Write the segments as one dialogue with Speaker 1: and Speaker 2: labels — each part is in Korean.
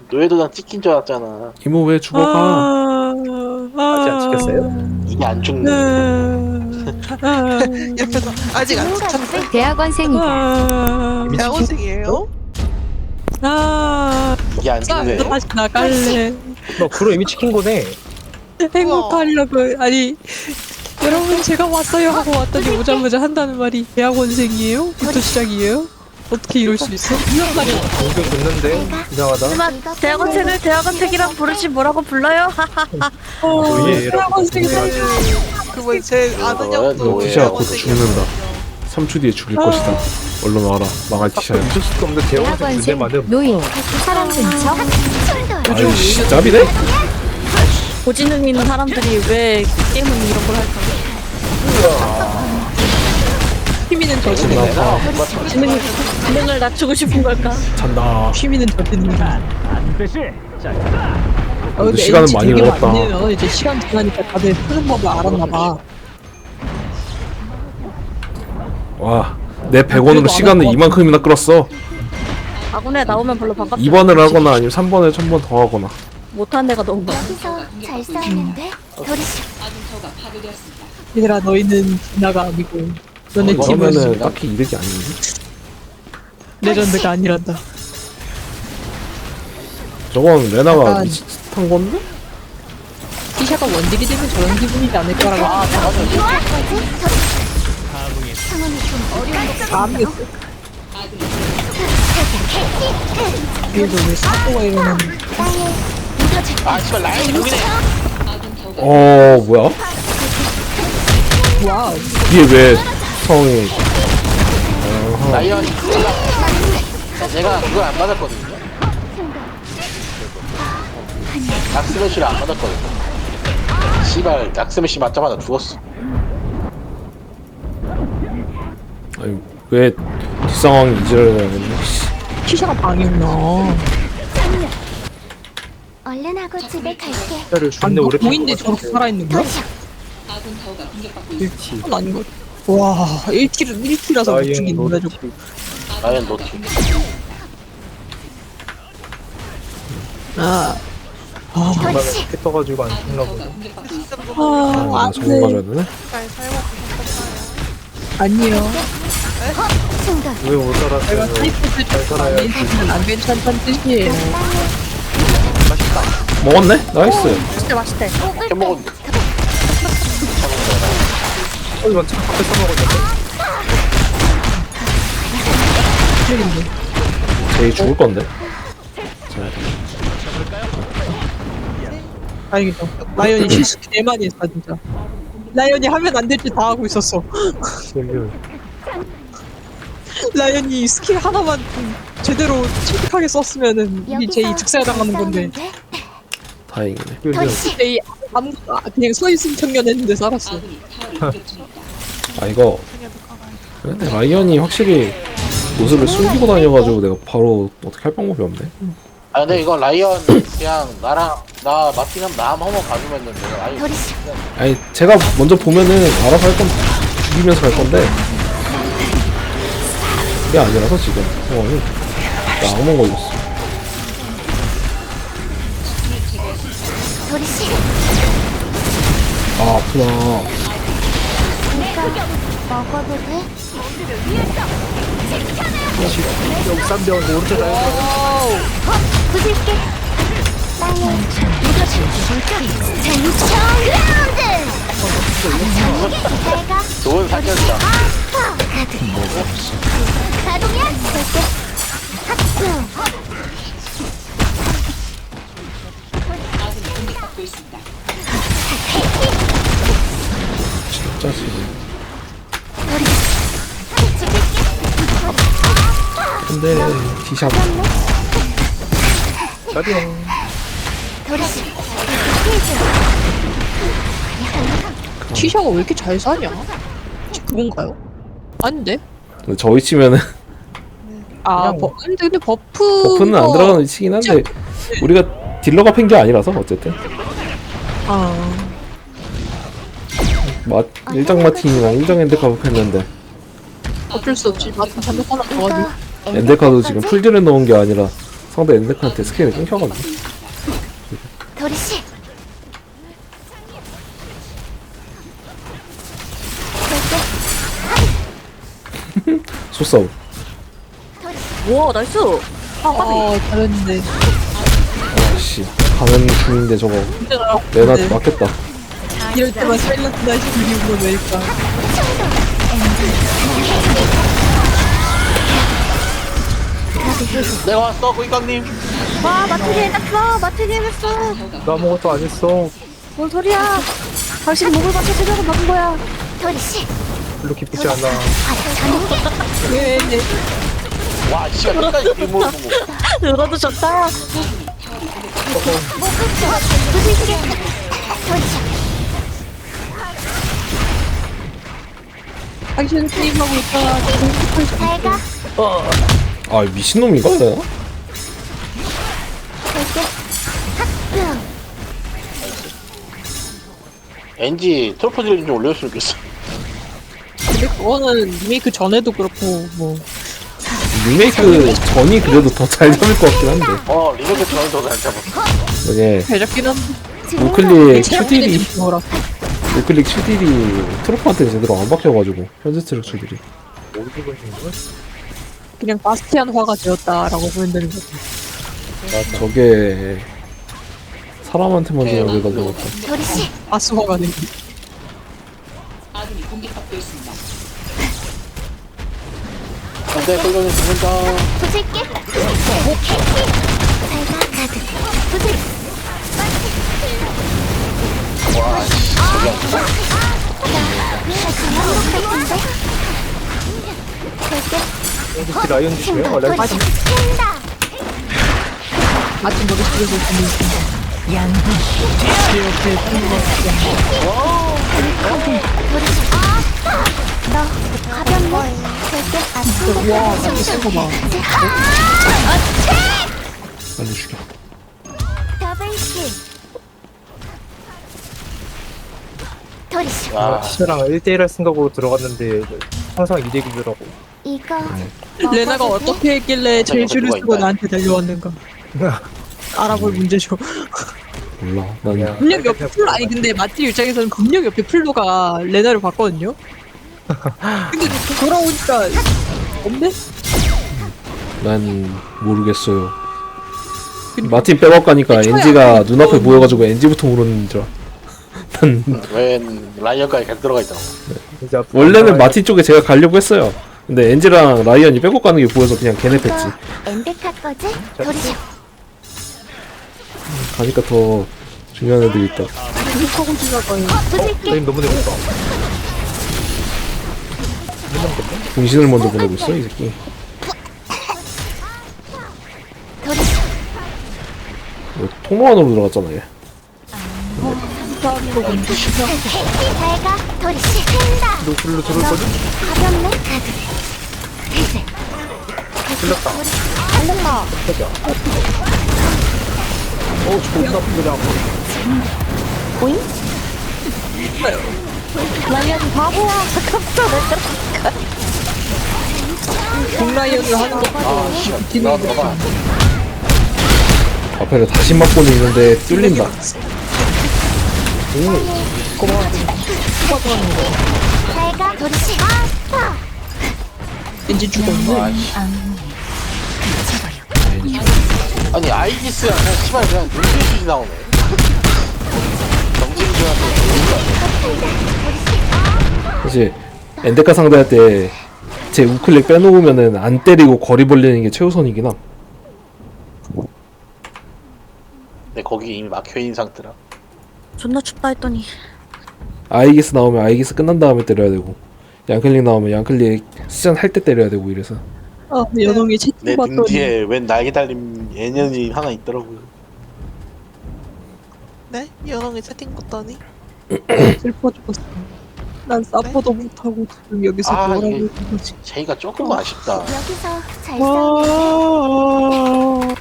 Speaker 1: 노예도장 찍힌 줄 알았잖아.
Speaker 2: 이모 왜 죽어가?
Speaker 3: 아직 안 찍혔어요?
Speaker 1: 이게 안 죽네.
Speaker 4: 옆에서 아직 안 찍혔네.
Speaker 5: 대학원생이다.
Speaker 4: 대학원생이에요?
Speaker 1: 이게 안 죽네.
Speaker 6: 다시 나갈래.
Speaker 3: 너 그로 이미 찍힌 거네.
Speaker 6: 행복하려고. 아니 여러분 제가 왔어요 하고 왔더니 오자마자 한다는 말이 대학원생이에요? 부터 시작이에요? 어떻게 이럴 수 있어?
Speaker 3: 방금 듣는데 이상하다.
Speaker 5: 하지만 대학원생을 대학원생이란 부르지 뭐라고 불러요?
Speaker 3: 노예
Speaker 6: 대학원생 살려.
Speaker 4: 그거 제 아는 형도
Speaker 1: 노예.
Speaker 2: 티샤가 곧 죽는다. 3초 뒤에 죽일 것이다. 얼른 와라. 망할 티샤야.
Speaker 3: 믿을 수도 없는 대학원생 군대만은
Speaker 5: 노인 사람 근처
Speaker 2: 아이씨 짭이네?
Speaker 5: 고지능 있는 사람들이 왜 게임은 이런 걸 할까?
Speaker 6: 힘이는 저지는
Speaker 5: 지능을 낮추고 싶은 걸까?
Speaker 2: 잔다.
Speaker 6: 힘이는 저지는.
Speaker 2: 근데 시간은 많이 걸었다.
Speaker 6: 이제 시간 지나니까 다들 푸는 법을 알았나봐.
Speaker 2: 와, 내 100원으로 시간을 이만큼이나 끌었어.
Speaker 5: 아군에 나오면 별로 반갑지
Speaker 2: 2번을 하거나 아니면 3번에 1000번 더 하거나.
Speaker 5: 못한 데가 너무 많아.
Speaker 7: 여기서 잘 싸웠는데 도리씨
Speaker 6: 얘들아 너희는 진화가 아니고 너네
Speaker 2: 그러면은
Speaker 6: 팀은
Speaker 2: 딱히 이득이 아닌데?
Speaker 6: 레전드가 아니란다.
Speaker 2: 저건 레나가
Speaker 6: 약간-
Speaker 2: 비슷한 건데?
Speaker 6: 티샤가 원딜이 되면 저런 기분이지 않을까라고.
Speaker 7: 상황이 좀 어려운 것
Speaker 6: 아무겠어. 그래서 왜 사또가 이러는.
Speaker 7: 땅에 묻어줄
Speaker 1: 아, 씨발, 라인이 여기네.
Speaker 2: 뭐야?
Speaker 6: 와우.
Speaker 2: 이게 왜 성이
Speaker 1: 라이언이 내가 그걸 안 맞았거든요. 닥스매시를 안 맞았거든요. 씨발, 닥스매시 맞자마자 죽었어.
Speaker 2: 아니 왜 뒷상황이 이지랄을 해야겠네.
Speaker 6: 티샤가 방이구나.
Speaker 7: 얼른 하고 집에 갈게.
Speaker 3: 를
Speaker 6: 아니
Speaker 3: 존내
Speaker 6: 너
Speaker 3: 오래
Speaker 6: 보인데 저렇게 살아있는 거야?
Speaker 7: 도리씨
Speaker 6: 그건 아닌 것 같아. 와 1킬이라서 못 죽이는데 저거.
Speaker 1: 라이언 노티.
Speaker 6: 아.
Speaker 3: 중간에 이렇게 떠가지고 안 죽나 보다.
Speaker 6: 아,
Speaker 2: 잘못
Speaker 6: 안 돼.
Speaker 2: 가져야 되네?
Speaker 4: 잘 살고 계셨어요.
Speaker 6: 아니요.
Speaker 7: 충돌
Speaker 3: 왜 못
Speaker 6: 내가
Speaker 3: 살았어요?
Speaker 6: 타이프스
Speaker 3: 잘 살아야지.
Speaker 6: 인생은 안 괜찮다는 뜻이에요.
Speaker 2: 먹었네? 나이스.
Speaker 5: 맛있대 맛있대.
Speaker 1: 해먹었는데.
Speaker 3: 이건 참 앞에 써먹었는데.
Speaker 2: 제이 죽을 건데.
Speaker 6: 다행이다. 라이언이 실수 개 많이 했다 진짜. 라이언이 하면 안 될 줄 다 하고 있었어. 라이언이 스킬 하나만 좀 제대로 침착하게 썼으면은 이게 제이
Speaker 7: 여기서
Speaker 6: 즉사에 당하는 건데
Speaker 7: 싸우는데
Speaker 2: 다행이네.
Speaker 7: 도리씨
Speaker 6: 제이 아무것도 그냥 서있음 청년했는데 살았어.
Speaker 2: 아 이거 근데 라이언이 확실히 모습을 숨기고 다녀가지고 내가 바로 어떻게 할 방법이 없네.
Speaker 1: 아, 근데 이거 라이언 그냥 나랑, 나 마틴하면 나 한번 가주면 내가 라이언.
Speaker 7: 도리씨
Speaker 2: 아니 제가 먼저 보면은 알아서 할 건 죽이면서 갈 건데 그게 아니라서 지금 상황이 나 악몽 걸렸어.
Speaker 7: 도리씨
Speaker 2: 아 아프다.
Speaker 7: 이거 먹어도 돼?
Speaker 3: 여기 쌈병 오른쪽 라인
Speaker 7: 부술게 땅에 묻어줄 장청그라운드 내가
Speaker 1: 좋은 사격이다.
Speaker 7: 가동이야 볼게 하트
Speaker 2: 진짜 지금. 근데 티샷
Speaker 3: 쌈병.
Speaker 7: 도리씨
Speaker 6: 티샤가 왜 이렇게 잘 사냐? 혹시 그건가요? 아닌데?
Speaker 2: 근데 저 위치면은
Speaker 6: 아,
Speaker 3: 그냥
Speaker 6: 근데 버프
Speaker 2: 버프는 안 들어가는 위치긴 한데 우리가 딜러가 팬 게 아니라서 어쨌든
Speaker 6: 아,
Speaker 2: 일장 마틴이랑 일장 엔데카도 했는데
Speaker 6: 어쩔 수 없지. 마틴 잠깐 하나 더
Speaker 7: 이거
Speaker 6: 가지고.
Speaker 2: 엔데카도 지금 풀딜을 넣은 게 아니라 상대 엔데카한테 스킬이 끊겨가지고.
Speaker 7: 도리씨.
Speaker 2: 소싸움.
Speaker 5: 우와 나이스.
Speaker 6: 잘했는데.
Speaker 2: 아씨 가는 중인데 저거
Speaker 6: 네.
Speaker 2: 레나 맞겠다.
Speaker 6: 이럴 때만 사일런트 나이스 그리운 왜일까?
Speaker 1: 내가 왔어 고객님.
Speaker 5: 와 마트게 했어. 마트게 했어.
Speaker 3: 나 아무것도 안 했어.
Speaker 5: 뭔 소리야? 당신 목을 받쳐 세력을 막은 거야.
Speaker 7: 도리씨.
Speaker 3: 별로 기쁘지 않아.
Speaker 6: 왜?
Speaker 1: 와 씨가 끝까지 뒷모습 보고.
Speaker 5: 누가도 좋다.
Speaker 7: 부술게. 도리씨.
Speaker 6: 당신은 게임하고 있다가
Speaker 7: 잘 가.
Speaker 2: 아 미친놈인가 내가?
Speaker 7: 갈게. 학교.
Speaker 1: NG 트로프 딜 좀 올려줬으면 좋겠어.
Speaker 6: 근데 그거는 리메이크 전에도 그렇고 뭐
Speaker 2: 리메이크 전이 그래도 더 잘 잡을 것 같긴 한데.
Speaker 1: 리메이크 전에 더 잘 잡았어.
Speaker 2: 이게
Speaker 6: 배잡긴 한데
Speaker 2: 우클릭 큐딜이
Speaker 6: 뭐라
Speaker 2: 우클릭 큐딜이 트로프한테 제대로 안 박혀가지고 현재 트럭 큐딜이.
Speaker 3: 어디 보시는 거야?
Speaker 6: 그냥 바스티안화가 되었다라고 보면 되는 거지.
Speaker 2: 저게 사람한테만 여기다 넣었다.
Speaker 7: 도리씨.
Speaker 6: 바스화가 된 게.
Speaker 1: 안돼 고객님 죽는다.
Speaker 7: 부술게. 잘 가. 가드. 부술.
Speaker 1: 와 씨, 저기
Speaker 7: 행복할 텐데. 갈게.
Speaker 3: 혹시 라이언 주시면 라이언
Speaker 7: 도리씨. 뛴다.
Speaker 6: 아침 머릿속에서 듣는 순간 양분 제 옆에
Speaker 7: 너 가볍네. 갈게. 아침
Speaker 6: 와 나도 쓴거 봐.
Speaker 2: 빨리 죽여.
Speaker 7: 더블킬. 도리씨.
Speaker 1: 아
Speaker 3: 티샤랑 1대1 할 생각으로 들어갔는데 항상 2대1이더라고.
Speaker 7: 이거
Speaker 6: 레나가 어떻게 했길래 제일 줄을
Speaker 1: 누가
Speaker 6: 쓰고
Speaker 1: 있다.
Speaker 6: 나한테 달려왔는가 알아볼 문제죠.
Speaker 2: 몰라. 난
Speaker 6: 검력 옆에 풀 아니 근데 마티 입장에서는 검력 옆에 풀로가 레나를 봤거든요. 근데 돌아오니까 없네?
Speaker 2: 난 모르겠어요. 마틴 백업 가니까 엔지가 눈앞에 보여가지고 엔지부터 물었는 줄. 난
Speaker 1: 웬 라이언까지 계속 들어가 있더라고.
Speaker 3: 이제
Speaker 2: 원래는 마틴 쪽에 제가 가려고 했어요. 근데 엔지랑 라이언이 백업 가는 게 보여서 그냥 걔네 뺐지.
Speaker 7: 이거 엔데카 거지? 도리씨.
Speaker 2: 가니까 더 중요한 애들이 있다.
Speaker 6: 계속하고 지나가요.
Speaker 7: 부술게.
Speaker 3: 라이언 너무 재밌다.
Speaker 2: 분신을 먼저 보내고 있어 이 새끼.
Speaker 7: 도리씨.
Speaker 2: 통로 안으로 들어갔잖아 얘.
Speaker 7: 잘 가. 도리씨. 뛴다.
Speaker 3: 노플로 들어올 거지?
Speaker 7: 가볍네. 가드. 해제.
Speaker 3: 틀렸다.
Speaker 7: 알렸다.
Speaker 3: 존나 아프다.
Speaker 7: 오잉? 라이언 바보야. 깜짝
Speaker 6: 공라이언을 하는 것도
Speaker 1: 아 씨. 나 봐봐.
Speaker 2: 앞에를 다시 맞고는 있는데 뚫린다.
Speaker 7: 잘 가. 도리씨. 아파.
Speaker 6: 왠지 죽었네.
Speaker 1: 아니 아이기스야 그냥 씨발 그냥 눈빛이 나오네. 정신주한테
Speaker 2: 사실 엔데카 상대할 때 제 우클릭 빼놓으면은 안 때리고 거리 벌리는 게 최우선이긴 함.
Speaker 1: 근데 거기 이미 막혀있는 상태라.
Speaker 5: 존나 춥다 했더니
Speaker 2: 아이기스 나오면 아이기스 끝난 다음에 때려야 되고, 양클릭 나오면 양클릭 시전 할 때 때려야 되고 이래서.
Speaker 6: 아 연홍이
Speaker 1: 내
Speaker 6: 채팅
Speaker 1: 등
Speaker 6: 봤더니
Speaker 1: 뒤에 웬 날개 달린 애년이 하나 있더라고요.
Speaker 4: 네? 연홍이 채팅 봤더니
Speaker 6: 슬퍼 죽었어. 난 사퍼도 못하고 지금 여기서
Speaker 1: 아,
Speaker 6: 뭐라고
Speaker 1: 이게-
Speaker 6: 있는 거지.
Speaker 1: 제이가 조금 아쉽다.
Speaker 7: 여기서 잘
Speaker 6: 아,
Speaker 7: 싸우네.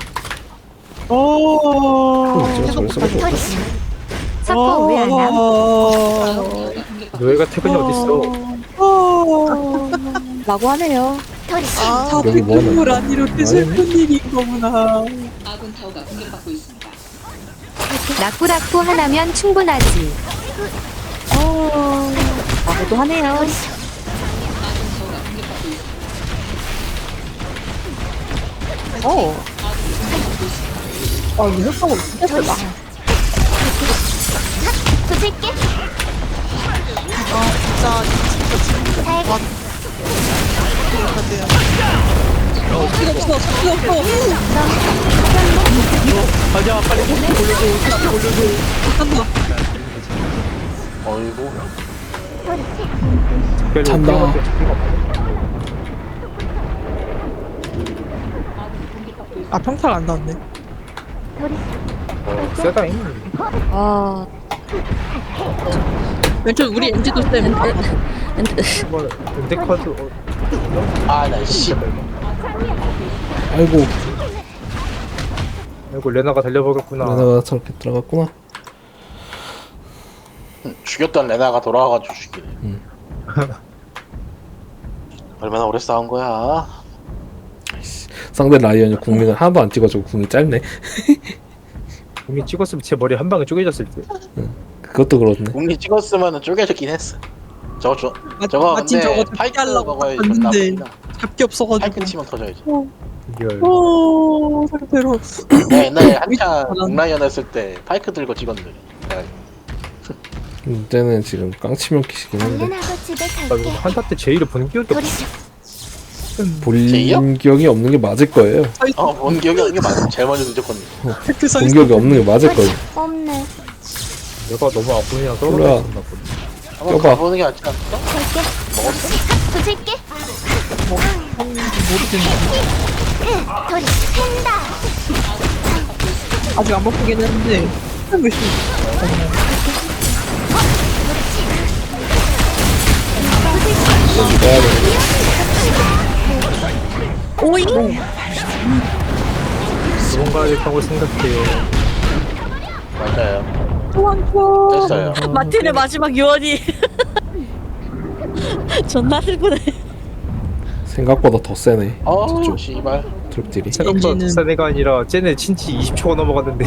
Speaker 2: 저랬어.
Speaker 7: 도리씨. 자꾸 왜안 나?
Speaker 3: 너희가 퇴근이 어딨어?
Speaker 5: 라고 하네요.
Speaker 7: 도리씨.
Speaker 6: 다
Speaker 2: 여기 뭐 하나
Speaker 6: 백금을
Speaker 2: 있나?
Speaker 6: 이렇게 슬픈 일인 거구나.
Speaker 7: 라꾸라꾸 하나면 충분하지.
Speaker 5: 나도 하네요.
Speaker 4: 아 이거 효과가 진짜 세다.
Speaker 7: 부술게.
Speaker 4: 진짜
Speaker 7: 잘 가.
Speaker 6: 필요 없어, 필요 없어.
Speaker 3: 가자 빨리 올려줘.
Speaker 6: 간다.
Speaker 1: 어이구.
Speaker 2: 찬다.
Speaker 4: 아 평탈 안 나왔네.
Speaker 3: 세다잉.
Speaker 5: 아,
Speaker 6: 왼쪽 우리 엔지도 쌤.
Speaker 3: 뭐 엔데카드
Speaker 1: 아, 나 씨.
Speaker 2: 아이고
Speaker 3: 아이고 레나가 달려보겠구나.
Speaker 2: 레나가 저렇게 들어갔구나.
Speaker 1: 죽였던 레나가 돌아와가지고 죽이네. 얼마나 오래 싸운 거야?
Speaker 2: 상대 라이언이 궁을 하나도 안 찍어주고 궁이 짧네.
Speaker 3: 공이 찍었으면 제 머리 한 방에 쪼개졌을 때.
Speaker 2: 그것도 그렇네.
Speaker 1: 공리 찍었으면 쪼개졌긴 했어. 저거
Speaker 6: 마침
Speaker 1: 근데
Speaker 6: 저거
Speaker 1: 파이크
Speaker 6: 하려고
Speaker 1: 먹어야
Speaker 6: 딱
Speaker 1: 존나
Speaker 6: 봤는데
Speaker 1: 아프다.
Speaker 6: 잡기 없어가지고.
Speaker 1: 파이크 치면 터져야지.
Speaker 3: 리얼.
Speaker 6: 오, 상태로.
Speaker 1: 내가 옛날에 한창
Speaker 6: 미쳤다.
Speaker 1: 공라이언 했을 때 파이크 들고 찍었는데. 내가
Speaker 2: 이때는 지금 깡치면 키시긴 한데
Speaker 7: 얼른하고 집에
Speaker 3: 나 이거
Speaker 7: 갈게.
Speaker 3: 한타 때 제1을 본 기억이 없어.
Speaker 7: 도리씨.
Speaker 1: 제이요?
Speaker 2: 본 기억이 없는 게 맞을 거예요.
Speaker 1: 본 기억이 없는 게 맞아. 제일 먼저 늦었거든.
Speaker 6: 그
Speaker 2: 본 기억이 없는 게 맞을 거예요.
Speaker 7: 없네.
Speaker 3: 내가 너무 아프냐
Speaker 2: 몰라.
Speaker 3: 떨어졌나 보네.
Speaker 1: 한번
Speaker 2: 껴봐.
Speaker 1: 가보는 게 낫지 않을까?
Speaker 7: 갈게.
Speaker 1: 먹었어?
Speaker 7: 부술게. 도리씨 팬다.
Speaker 6: 아직 안 바쁘긴 했는데. 몇 시?
Speaker 5: 오잉?
Speaker 3: 도망가야겠다고 생각해요.
Speaker 1: 맞아요.
Speaker 6: 도망쳐.
Speaker 1: 됐어요.
Speaker 5: 마틴의 마지막 유언이. 존나 슬프네.
Speaker 2: 생각보다 더 세네.
Speaker 1: 어우,
Speaker 2: 저쪽
Speaker 1: 씨발.
Speaker 2: 트럭들이.
Speaker 3: 생각보다
Speaker 6: 엔진은-
Speaker 3: 비싼 애가 아니라 쟤네 친치 20초가 넘어갔는데.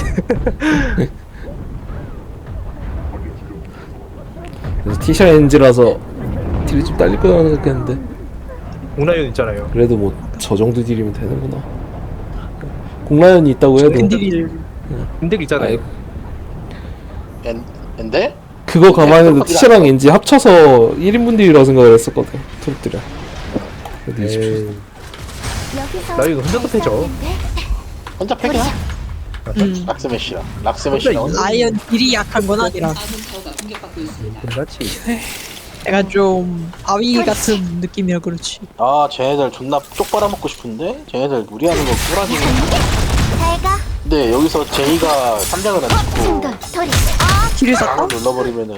Speaker 2: 그래서 티샤 엔지라서 딜이 좀 딸릴 거라고 생각했는데
Speaker 3: 공라이언 있잖아요.
Speaker 2: 그래도 뭐 저 정도 딜이면 되는구나. 공라연이 있다고 해도
Speaker 6: 캔디를.
Speaker 3: 근데 있잖아요.
Speaker 2: 아이,
Speaker 1: 엔데?
Speaker 2: 그거 감안해도 티샤랑 엔지 합쳐서 1인분 딜이라고 생각을 했었거든. 트럭들이. 그래도 20초.
Speaker 3: 에이,
Speaker 7: 여기서
Speaker 3: 나 이거 혼자도 패죠.
Speaker 1: 혼자 패긴 하. 락스매시라. 락스매시라.
Speaker 6: 라이언 딜이 약한 건 아니라.
Speaker 3: 끝났지.
Speaker 6: 내가 좀 아위 같은 느낌이라 그렇지.
Speaker 1: 아, 쟤네들 존나 쪽 빨아먹고 싶은데? 쟤네들 무리하는 거 꾸라지네.
Speaker 7: 잘 가.
Speaker 1: 근데 여기서 제이가 3장을 안 찍고
Speaker 7: 충돌. 도리씨.
Speaker 6: 딜을 샀다?
Speaker 1: 강을 눌러버리면은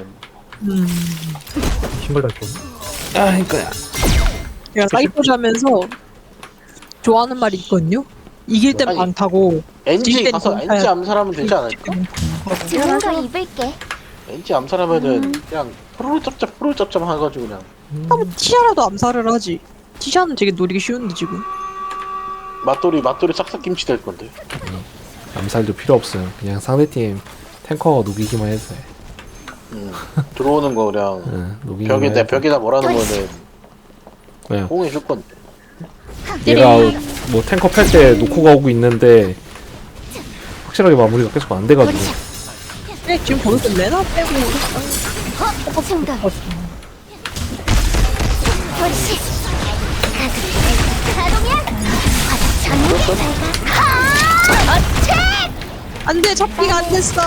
Speaker 3: 신발 다 좀.
Speaker 2: 아, 이거야.
Speaker 6: 내가 사이퍼즈 하면서 좋아하는 말이 있거든요. 이길 땐
Speaker 1: 아니,
Speaker 6: 많다고.
Speaker 1: 엔지
Speaker 6: 딜
Speaker 1: 가서
Speaker 6: 때는
Speaker 1: 엔지 암살하면 되지 않을까?
Speaker 7: 좋은 거 입을게.
Speaker 1: 엔지 암살하면은 그냥 프로 짭짭 해가지고 그냥
Speaker 6: 하면 티샤라도 암살을 하지. 티샤는 되게 노리기 쉬운데 지금.
Speaker 1: 맛돌이 싹싹 김치 될 건데.
Speaker 2: 암살도 필요 없어요. 그냥 상대팀 탱커 녹이기만 해도 돼.
Speaker 1: 들어오는 거 그냥
Speaker 2: 응, 녹이기만 해도 돼.
Speaker 1: 벽에다 뭐라는 거는
Speaker 2: 그냥
Speaker 1: 뽕해 줄 건데.
Speaker 2: 얘가 뭐 탱커 팰 때 놓고 가고 있는데 확실하게 마무리가 계속 안 돼가지고
Speaker 6: 네, 지금 보니까 레나 빼고
Speaker 7: 충돌. 도리씨. 가동이야. 전문 잘 가.
Speaker 6: 안돼 잡기가 안 됐어.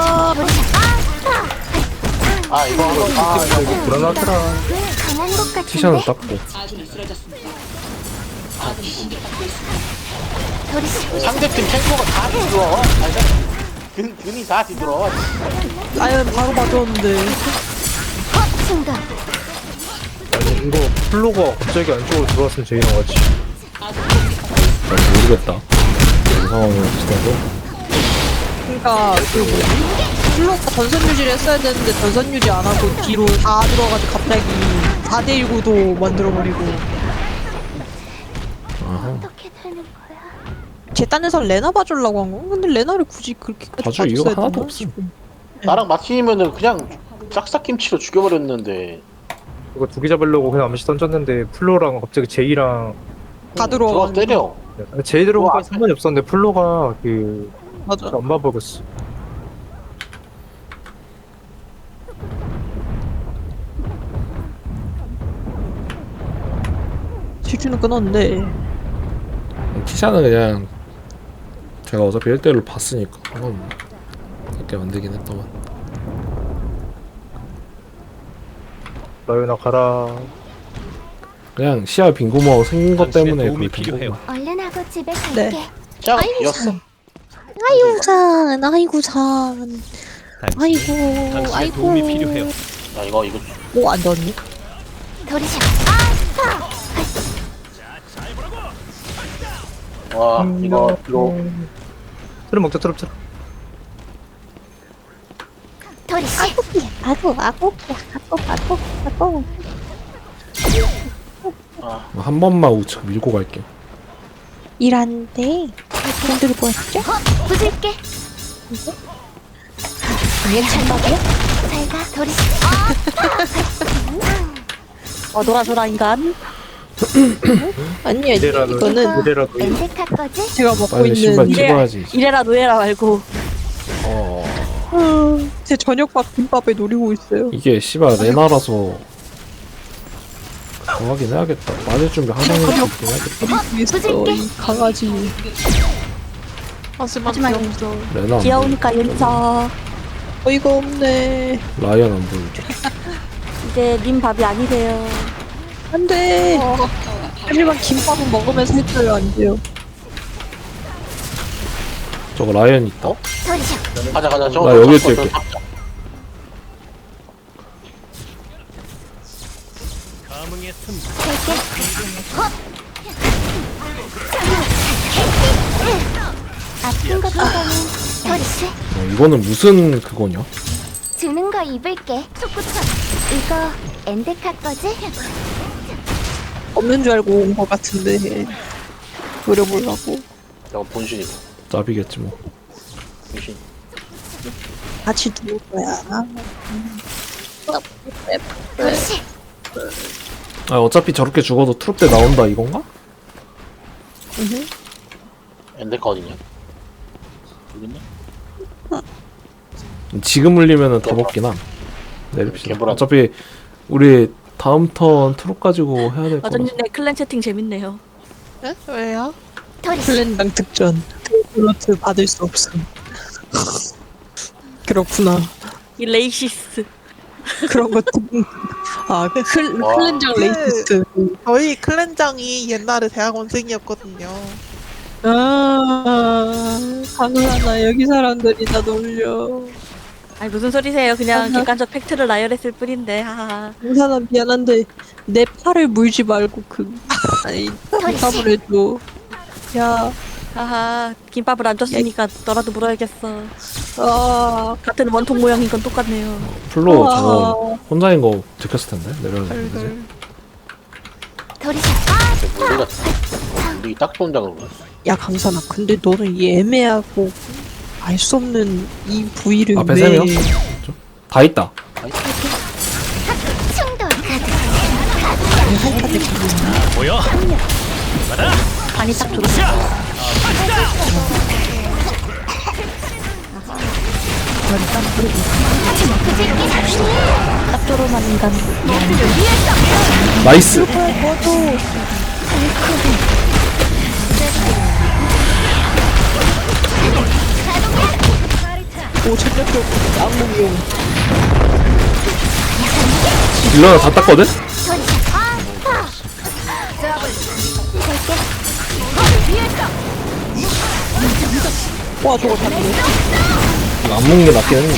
Speaker 1: 아 이거
Speaker 3: 이거 불안하더라.
Speaker 7: 강한 것 같은데.
Speaker 2: 티샤는 닦고
Speaker 7: 도리씨.
Speaker 1: 상대팀 탱커가 다 뒤들어와. 근이 다 뒤들어와.
Speaker 6: 라이언 바로 봐줬는데.
Speaker 7: 충돌.
Speaker 3: 아니 이거 플로가 갑자기 안쪽으로 들어왔으면 제일 나왔지.
Speaker 2: 잘 모르겠다. 이 상황을 지나도
Speaker 6: 그러니까 그 뭐지? 플로가 전선 유지를 했어야 되는데 전선 유지 안 하고 뒤로 다 들어가지고 갑자기 4대1 구도 만들어버리고.
Speaker 7: 어떻게 되는 거야?
Speaker 6: 쟤 딴 데서 레나 봐주려고 한 거? 근데 레나를 굳이 그렇게
Speaker 2: 봐줄 이유가 하나도 없음.
Speaker 1: 나랑 마틴이면은 그냥 싹싹김치로 죽여버렸는데
Speaker 3: 이거 두 개 잡으려고 그냥 암시 던졌는데 플로랑 갑자기 제이랑
Speaker 6: 다
Speaker 1: 들어와
Speaker 6: 들어와.
Speaker 1: 때려.
Speaker 3: 제이 들어온
Speaker 1: 와,
Speaker 3: 건 상관이 없었는데 플로가 그
Speaker 6: 맞아.
Speaker 3: 안 봐버렸어.
Speaker 6: 질주는 끊었는데
Speaker 2: 티샤는 그냥 제가 어차피 1대1로 봤으니까 상관없네. 그렇게 만들긴 했더만.
Speaker 3: 라이언아 가라.
Speaker 2: 그냥 시야 빈구멍 생긴 것 때문에 그렇게 된 거구나.
Speaker 7: 얼른 하고 집에 갈게.
Speaker 6: 네.
Speaker 1: 짱 이었어.
Speaker 6: 아이고 산 아이고 산 아이고 아이고
Speaker 8: 도움이 필요해요.
Speaker 1: 야 이거
Speaker 6: 뭐안 닿니?
Speaker 7: 도리샤.
Speaker 1: 와 이거
Speaker 3: 트럼 먹자 트럼 트럼.
Speaker 7: 도리샤.
Speaker 2: 한 번만 우측 밀고 갈게요.
Speaker 6: 일하는데 돈 들고 왔죠?
Speaker 7: 부술게. 왜 천막이야? 잘가 도리샤.
Speaker 5: 놀아줘라 인간.
Speaker 6: 아니야
Speaker 3: 이래라도
Speaker 6: 이거는
Speaker 3: 이래라도
Speaker 7: 엔데카 거지?
Speaker 6: 제가 먹고
Speaker 2: 빨리 신발
Speaker 6: 있는
Speaker 2: 찍어야지.
Speaker 5: 이래라 노예라 말고.
Speaker 6: 제 저녁밥 김밥에 노리고 있어요.
Speaker 2: 이게 씨발 레나라서 정하긴 해야겠다. 맞을 준비 항상 해놓고 있긴 해야겠다.
Speaker 6: 노리고 있어 이 강아지.
Speaker 4: 하지만
Speaker 5: 하지만
Speaker 4: 귀여워.
Speaker 2: 레나 안
Speaker 5: 귀여우니까 용서.
Speaker 6: 어이가 없네.
Speaker 2: 보여. 라이언 안 보이죠.
Speaker 5: 이제 님 밥이 아니세요.
Speaker 6: 안돼. 하지만 김밥은 먹으면서 해줘요 안 돼요.
Speaker 2: 저거 라이언 있다.
Speaker 7: 도리샤.
Speaker 1: 가자
Speaker 2: 나
Speaker 1: 저거
Speaker 2: 여기
Speaker 1: 잡고
Speaker 2: 있을게.
Speaker 1: 저거 잡자.
Speaker 8: 감흥의 틈.
Speaker 7: 갈게. 아픈 것보다는 도리샤.
Speaker 2: 이거는 무슨 그거냐?
Speaker 7: 주는 거 입을게. 속구천. 이거 엔데카 거지?
Speaker 6: 없는 줄 알고 온 것 같은데 노려보려고.
Speaker 1: 저거 본신이고
Speaker 2: 짭이겠지 뭐.
Speaker 1: 본신.
Speaker 6: 같이 누울 거야.
Speaker 7: 도리샤.
Speaker 2: 아 어차피 저렇게 죽어도 트룹 때 나온다 이건가?
Speaker 1: 엔데카 어디냐? 여기있네?
Speaker 2: 지금 울리면은 다 먹긴 함. 내립시다.
Speaker 1: 개불안.
Speaker 2: 어차피 우리 다음 턴 트롯 가지고 해야 될 거라서.
Speaker 5: 어쩐지 내 클랜 채팅 재밌네요.
Speaker 4: 네? 왜요?
Speaker 7: 도리샤.
Speaker 6: 플랜당 특전. 플로트 받을 수 없음. 그렇구나.
Speaker 5: 이 레이시스.
Speaker 6: 그런 것도. 아
Speaker 1: 와.
Speaker 6: 클렌장 레이시스트.
Speaker 4: 저희 클랜장이 옛날에 대학원생이었거든요.
Speaker 6: 아 가능하나 여기 사람들이 다 놀려.
Speaker 5: 아니 무슨 소리세요? 그냥
Speaker 6: 아하.
Speaker 5: 객관적 팩트를 나열했을 뿐인데. 하하.
Speaker 6: 이 사람 미안한데 내 팔을 물지 말고 아니 대답을 해줘. 야,
Speaker 5: 하하. 김밥을 안 줬으니까 너라도 물어야겠어.
Speaker 6: 아,
Speaker 5: 같은 원통 모양인 건 똑같네요.
Speaker 2: 플로
Speaker 6: 아.
Speaker 2: 저거 혼자인 거 들켰을 텐데 내려야 되는데.
Speaker 4: 헐헐.
Speaker 7: 도리샤.
Speaker 1: 우리가 우리 딱 좋은 장으로
Speaker 6: 야 강산아, 근데 너는 이 애매하고 알 수 없는 이 부위를
Speaker 2: 앞에
Speaker 6: 왜?
Speaker 2: 세 명? 다 있다.
Speaker 7: 충돌.
Speaker 8: 보여.
Speaker 5: 반이 딱 들어오죠. 딱 들어오는 인간.
Speaker 2: 나이스.
Speaker 6: 오 전략적 악몽용.
Speaker 2: 딜러가 다 땄거든?
Speaker 6: 와 저거 다 네.
Speaker 2: 이거 안 먹는 게 낫긴 했는데.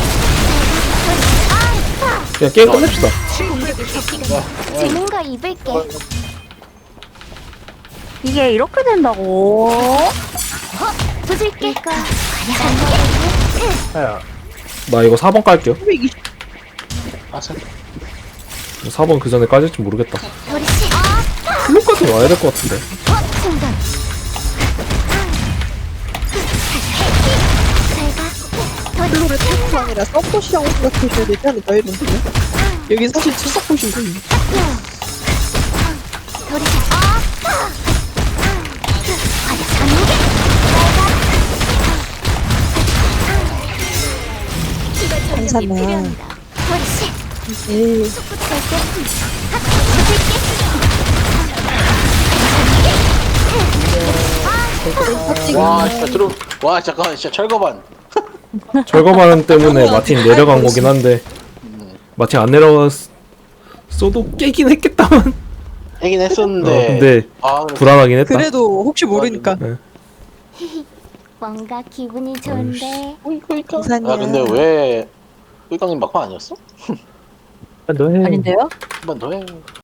Speaker 2: 그냥 게임 끝냅시다.
Speaker 7: 주는 거 입을게.
Speaker 5: 이게 이렇게 된다고?
Speaker 7: 부술게. 이거
Speaker 3: 아야.
Speaker 2: 나 이거 4번 깔게요.
Speaker 1: 아슬
Speaker 2: 4번 그 전에 까질지 모르겠다.
Speaker 7: 도리씨.
Speaker 2: 플로까지 와야 될 것 같은데.
Speaker 7: 충전.
Speaker 4: 플로를 테스트 아니라 서포시라고 생각해줘야 되지 않을까 이런데. 여기 사실 첫 서포시거든요. 괜찮아. 에이.
Speaker 1: 와 진짜 와 잠깐만 진짜 철거반.
Speaker 2: 절거반 때문에 마틴 내려간 거긴 한데 마틴 안 내려갔어도 깨긴 했겠다만.
Speaker 1: 하긴 했었는데.
Speaker 2: 근데
Speaker 1: 아
Speaker 2: 불안하긴 했다.
Speaker 4: 그래도 혹시 모르니까.
Speaker 2: 네.
Speaker 7: 뭔가 기분이 좋은데.
Speaker 4: 감사합니다.
Speaker 1: 야 근데 왜 꿀깡님 막판 아니었어?
Speaker 3: 너 해.
Speaker 5: 아닌데요?
Speaker 1: 한 번 더 해.